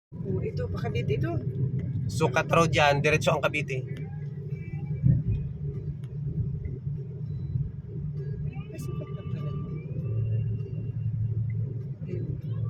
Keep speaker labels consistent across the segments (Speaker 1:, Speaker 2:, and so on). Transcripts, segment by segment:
Speaker 1: Oh, ito, Cavite ito.
Speaker 2: Sukat Road yan, diretso ang Cavite.
Speaker 1: Ay, sukat na pala. Ayun.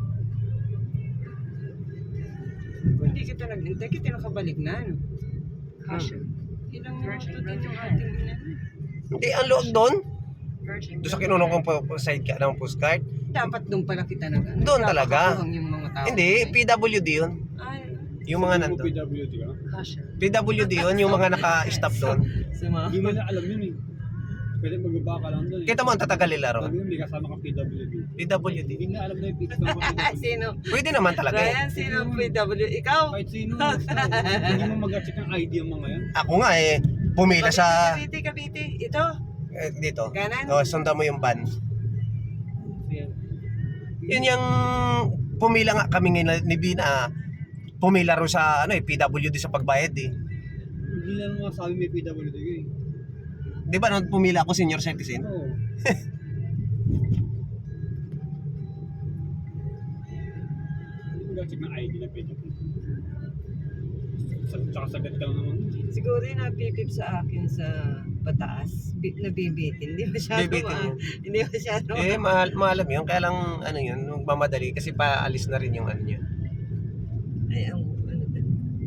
Speaker 1: Kung hindi kita naghintay, kita nakabalik na, ano?
Speaker 3: Caution.
Speaker 1: Ilang
Speaker 3: Virgin
Speaker 1: minuto din
Speaker 3: Road
Speaker 1: yung
Speaker 3: ahead.
Speaker 1: ating inano.
Speaker 2: Hindi, ang loob doon.
Speaker 3: Virgin
Speaker 2: Doon sa
Speaker 3: Road
Speaker 2: kinunong
Speaker 3: ahead.
Speaker 2: kong side ka ng postcard.
Speaker 1: Dapat doon pala kita nag ano.
Speaker 2: Doon talaga.
Speaker 1: Napakakuhang yung mga tao.
Speaker 2: Hindi, PWD yun.
Speaker 1: Ay,
Speaker 2: Yung mga nandun.
Speaker 4: PWD ka?
Speaker 3: Caution.
Speaker 2: PWD yun, yung mga naka-stop doon.
Speaker 1: sa mga...
Speaker 4: Hindi mo na alam yun eh. Pwede magbaba ka lang doon eh.
Speaker 2: Kita mo ang tatagal nila ron.
Speaker 4: Sabi mo, may kasama kang PWD.
Speaker 2: PWD.
Speaker 4: Hindi na alam na yung pizza ng PWD.
Speaker 1: Sino?
Speaker 2: Pwede naman talaga eh.
Speaker 1: Ryan, sino PW? Ikaw?
Speaker 4: Kahit sino, basta. Hindi mo mag-check ang ID ang mga yan.
Speaker 2: Ako nga eh, pumila sa
Speaker 1: Cavite. Ito?
Speaker 2: dito.
Speaker 1: Kanan?
Speaker 2: O, sundan mo yung van.
Speaker 4: Kasi,
Speaker 2: Yun yung pumila nga kami ngayon ni Bina. Pumila ro sa ano eh, PWD sa pagbayad eh.
Speaker 4: hindi na naman sabi may PWD ka eh.
Speaker 2: Di ba nung pumila ako senior citizen?
Speaker 4: Oo. Hindi mo mag-check ng ID na PWD. Tsaka sagad ka lang naman.
Speaker 1: Siguro yung napipip sa akin sa pataas. Nabibitin. Hindi masyado
Speaker 2: Bibitin yun.
Speaker 1: Hindi masyado
Speaker 2: Eh, maalam yun. Kaya lang, ano yun, mamadali kasi paalis na rin yung ano niya.
Speaker 1: Ay, ang ano ba?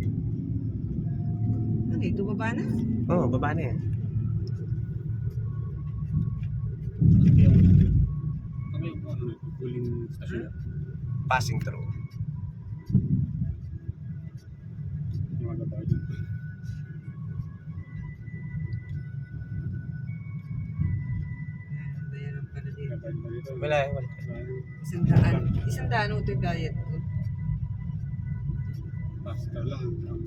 Speaker 1: Ano, ito baba na?
Speaker 2: Oo, baba na yan.
Speaker 4: Kami yung ano, huling stasyon.
Speaker 2: Passing through.
Speaker 4: Yung mga babae dun.
Speaker 1: Bayaran pala dito.
Speaker 4: Babae ba dito?
Speaker 2: Wala.
Speaker 1: Isang daan ito yung bayad ko.
Speaker 4: Pastor lang.